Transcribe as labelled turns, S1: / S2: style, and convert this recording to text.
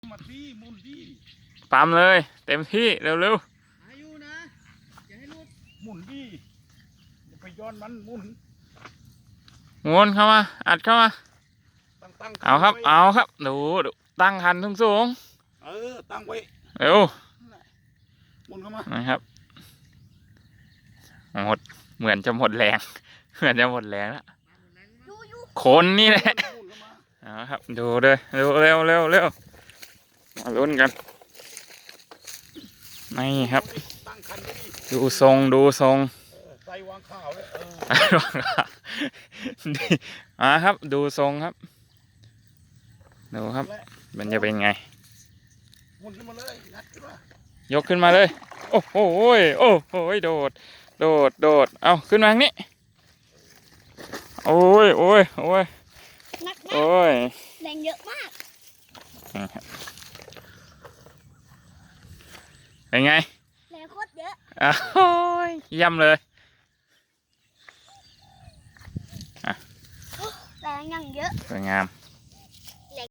S1: มาที่มุนที่
S2: ปั๊มเลยเต็มที่เร็ว
S3: อายุนะอย่าให้ลุด
S1: หมุนที่อย่าไปย้อนมันหมุน
S2: ๆม้วนเข้ามาอัดเข้ามา
S1: ตั้ง
S2: เอาครับ
S1: ไว้
S2: เอาครับดูตั้งคันสูง
S1: ตั้งไว้
S2: ๆเร็ว
S1: หมุนเข้ามา
S2: นะครับหมดเหมือนจะหมดแรง เหมือนจะหมดแรงแล้ว
S3: ยูยู
S2: คนนี่แหละ
S1: หมุนเข้ามา
S2: เอาครับดูเลยเร็วเร็วเร็วเร็วมาลุ้นกันนี่ครับ
S1: ตั้งคันไว้ดิ
S2: ดูทรงดูทรง
S1: ใส่วางข้าวเลย
S2: ดีมาครับดูทรงครับดูครับมันจะเป็นไง
S1: หมุนขึ้นมาเลยงัดขึ้นมาย
S2: กขึ้นมาเลย โอ้โหโอ้โหโดดโดดโดดเอาขึ้นมาทางนี้โอ้ยโอ้ยโอ้ย
S3: นักนะ
S2: โอ้ย
S3: แรงเยอะมาก
S2: นี่ครับเป็นไง
S3: แรงโคตรเยอะ
S2: โอ้ยเยี่ยมเลย
S3: แรงอย่างเยอะ
S2: สวยงาม